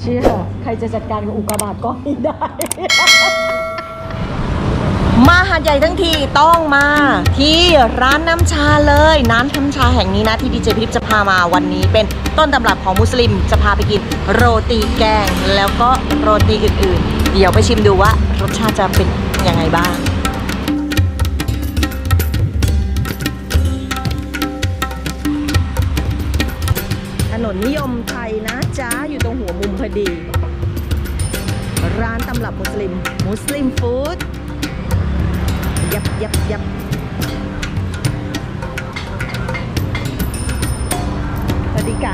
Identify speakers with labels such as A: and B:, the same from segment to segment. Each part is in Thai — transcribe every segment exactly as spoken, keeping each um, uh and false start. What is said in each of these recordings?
A: ชี่ยใครจะจัดการกับอุกกาบาตก้อนนี้ได้ มาหาดใหญ่ทั้งทีต้องมาที่ร้านน้ำชาเลยร้านน้ำชาแห่งนี้นะที่ดีเจพิพจะพามาวันนี้เป็นต้นตำรับของมุสลิมจะพาไปกินโรตีแกงแล้วก็โรตีอื่นๆเดี๋ยวไปชิมดูว่ารสชาติจะเป็นยังไงบ้างถนนนิยมไทยนะจ๊ะอยู่ตรงหัวมุมพอดีร้านตำรับมุสลิมมุสลิมฟู้ดยับยับยับสวัสดีค่ะ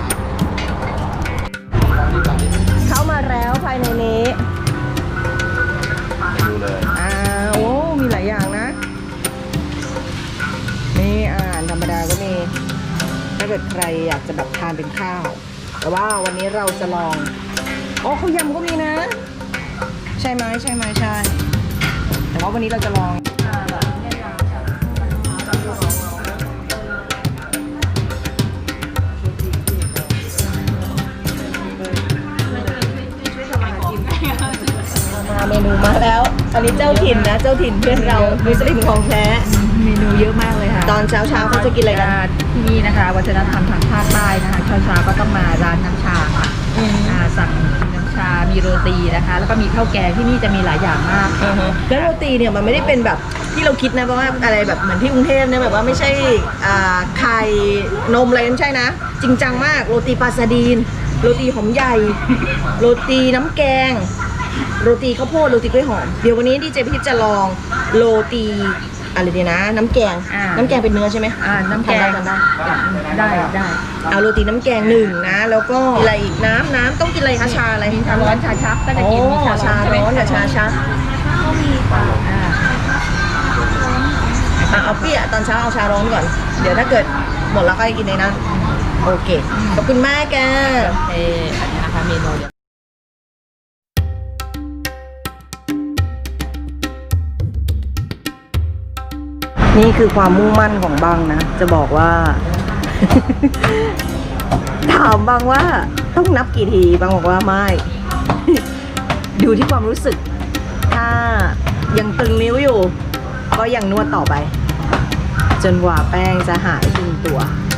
A: เข้ามาแล้วภายในนี้ดูเลยอ้าวโอ้มีหลายอย่างนะนี่อาหารธรรมดาก็มีถ้าเกิดใครอยากจะแบบทานเป็นข้าวแต่ว่าวันนี้เราจะลองโอ้ข้าวยำก็มีนะใช่ไหมใช่ไหมใช่แต่ว่าวันนี้เราจะลองมาเมนูมาแล้วอันนี้เจ้าถิ่นนะเจ้าถิ่นเพื่อนเรามุสลิมของแท้
B: เมนูเยอะมากเลยค่ะ
A: ตอนเช้าเช้าเขาจะกินอะไรกัน
B: ที่นี่นะคะวัฒนธรรมทางภาคใต้นะคะเช้าเช้าก็ต้องมาร้านน้ำชาค่ะสั่งน้ำชามีโรตีนะคะแล้วก็มีข้าวแกงที่นี่จะมีหลายอย่างมาก
A: แล้วโรตีเนี่ยมันไม่ได้เป็นแบบที่เราคิดนะเพราะว่าอะไรแบบเหมือนที่กรุงเทพเนี่ยแบบว่าไม่ใช่ไข่นมอะไรไม่ใช่นะจริงจังมากโรตีปลาซาดีนโรตีหอมใหญ่โรตีน้ำแกงโรตีข้าวโพดโรตีกล้วยหอมเดี๋ยววันนี้ดีเจพิพจะลองโรตีอะไรดีนะน้ำแกงน้ำแกงเป็นเนื้อใช่ไหม
B: อ่าน้ำแกง
A: ทำได้
B: ได้ได้
A: เอาโรตีน้ำแกงหนึ่งนะแล้วก็อะไรอีกน้ำน้ำต้องกินอะไรคะชาอะไร
B: ชาร้อนชาชักก็จะกินมีชา
A: ชาร้อนกับชาชัก
B: ก็มีค่ะอ่
A: าเอาเปี้ยตอนเช้าเอาชาร้อนก่อนเดี๋ยวถ้าเกิดหมดแล้วก็กินในนั้นโอเคขอบคุณมากแก
B: เอออันนี้นะคะเมนู
A: นี่คือความมุ่งมั่นของบังนะจะบอกว่า ถามบังว่าต้องนับกี่ทีบังบอกว่าไม่ ดูที่ความรู้สึกถ้ายังตึงนิ้วอยู่ก็ยังนวดต่อไปจนกว่าแป้งจะหายตึงตัว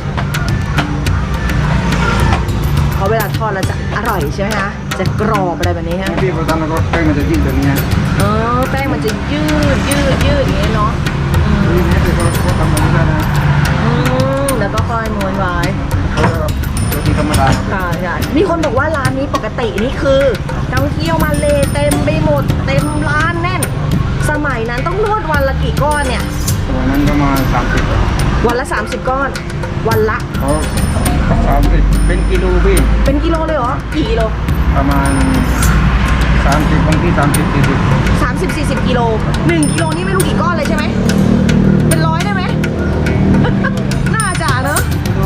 A: เพราะเวลาทอดแล้วจะอร่อยใช่ไหมคะจะกรอบอะไรแบบนี้ฮะ
C: พี่ประธานรถแป้งมันจะยืดแบบนี้
A: เออแป้งมันจะยืดยืดยืดอย่างนี้เนาะ
C: นี่นี่คือเขาทำแบบนี้ได้นะ
A: อืมแล้วก็ค่อยม้วนไว้
C: โรตีธรรมดา
A: ค่ะใช่มีคนบอกว่าร้านนี้ปกตินี่คือนักท่องเที่ยวมาเลเต็มไปหมดเต็มร้านแน่นสมัยนั้นต้องนวดวันละกี่ก้อนเนี่ย
C: วันนั้นประมาณสามสิบ
A: วันละสามสิบก้อนวันละ
C: เขาสามสิบเป็นกิโลพี่
A: เป็นกิโลเลยเหรอกี่กิโล
C: ประมาณสามสิบบางที่สามสิบสี่สิบ
A: สามสิบสี่สิบกิโลหนึ่งกิโลนี่ไม่รู้กี่ก้อนเลยใช่ไหมเป็นร้อยได้ไหม น่าจะเนอะ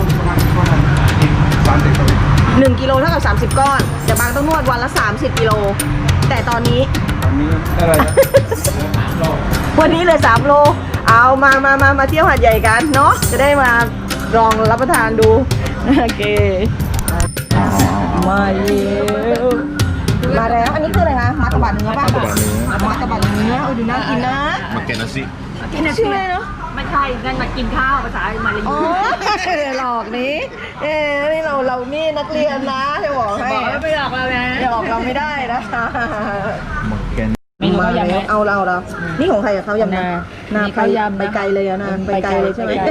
C: สามสิบกิโล
A: หนึ่งกิโลเท่ากับสามสิบก้อนแต่บางต้องนวดวันละสามสิบกิโลแต่ตอนนี้
C: ตอนนี้อะไรนะ
A: วันนี้เลยสามโลเอามามามามาเที่ยวหาดใหญ่กันเนาะจะได้มาลองรับประทานดูโอเคมาแล้วมาแล้วอันนี้คืออะไรคะมาตะบัดเนื้อป่ะมาตะบัดเนื้อเออดูน่ากินนะ
C: มาเกนซิ
B: กินชื่ออะไรเนาะไม่ใช่นั่นมากินข้าวภาษามาเลย
A: อ๋อหลอกนี้เอ้นี่เราเรานี่นักเรียนนะจะบอกให้
B: ไม่หลอกเรานะ
A: อย่าหลอกเราไม่ได้นะ
C: มาเกน
A: มาแล้วเอาเราเรานี่ของใครกับเขายำนานาไปไปไกลเลยอะนาไปไกลเลยใช่ไหม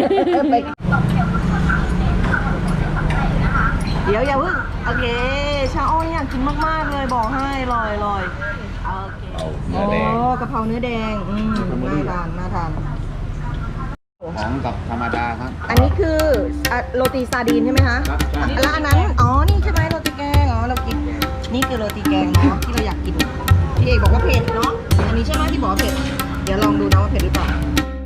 A: เดี๋ยวอย่าเพิ่งโอเคชาอ้อยอยากกินมากๆเลยบอกให้ลอยลอยโอเคโอ้กะเพราเนื้อแดงอืมน่าทานน่าทาน
C: ของกับธรรมดาครับ
A: อันนี้คือโรตีซาดีนใช่ไหมคะแล้วอันนั้นอ๋อนี่ใช่ไหมโรตีแกงอ๋อเรากินนี่คือโรตีแกงเนาะที่เราอยากกินพี่เอกบอกว่าเผ็ดเนาะอันนี้ใช่ไหมที่บอกว่าเผ็ดเดี๋ยวลองดูนะว่าเผ็ดหรือเปล่า